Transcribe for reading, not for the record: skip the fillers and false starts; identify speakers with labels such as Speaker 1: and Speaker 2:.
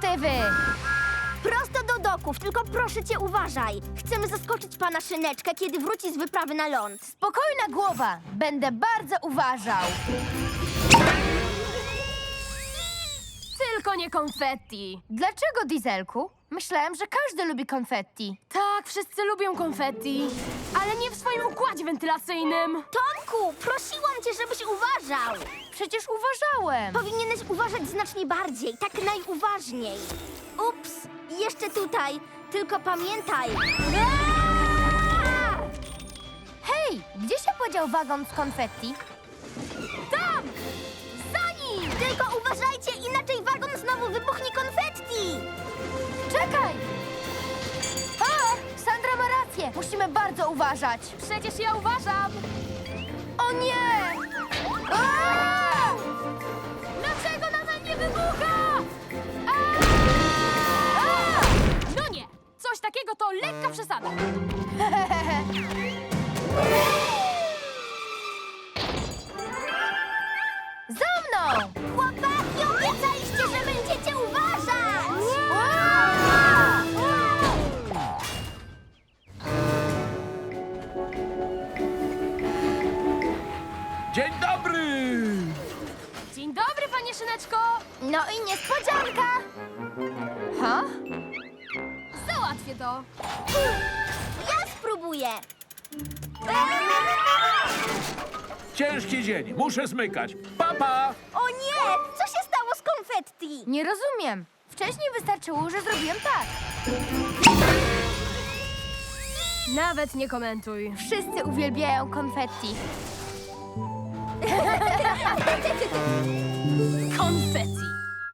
Speaker 1: lokomotywy!
Speaker 2: Prosto do doków, tylko proszę cię uważaj. Chcemy zaskoczyć pana Szyneczkę, kiedy wróci z wyprawy na ląd.
Speaker 1: Spokojna głowa, będę bardzo uważał.
Speaker 3: Tylko nie konfetti.
Speaker 1: Dlaczego, Dieselku? Myślałem, że każdy lubi konfetti.
Speaker 3: Tak, wszyscy lubią konfetti, ale nie w swoim układzie wentylacyjnym.
Speaker 2: Tomku, prosiłam cię, żebyś uważał.
Speaker 1: Przecież uważałem.
Speaker 2: Powinieneś uważać znacznie bardziej, tak najuważniej. Ups, jeszcze tutaj, tylko pamiętaj. Aaa!
Speaker 1: Hej, gdzie się podział wagon z konfetti?
Speaker 2: Tam! Za nim! Tylko uważajcie, inaczej wagon znowu wybuchnie konfetti!
Speaker 1: Czekaj! A, Sandra ma rację. Musimy bardzo uważać.
Speaker 3: Przecież ja uważam.
Speaker 1: O nie! A!
Speaker 3: Dlaczego nadal nie wybucha? No nie, coś takiego to lekka przesada.
Speaker 1: Za mną!
Speaker 2: Chłopaki, obiecaliście, że będziecie uważać!
Speaker 4: Dzień dobry!
Speaker 3: Dzień dobry, panie Szyneczko.
Speaker 1: No i niespodzianka! Ha?
Speaker 3: Załatwię to.
Speaker 2: Ja spróbuję!
Speaker 4: Ciężki dzień, muszę zmykać. Papa!
Speaker 2: O nie! Co się stało z konfetti?
Speaker 1: Nie rozumiem. Wcześniej wystarczyło, że zrobiłem tak.
Speaker 3: Nawet nie komentuj.
Speaker 1: Wszyscy uwielbiają konfetti.
Speaker 3: Konfetti.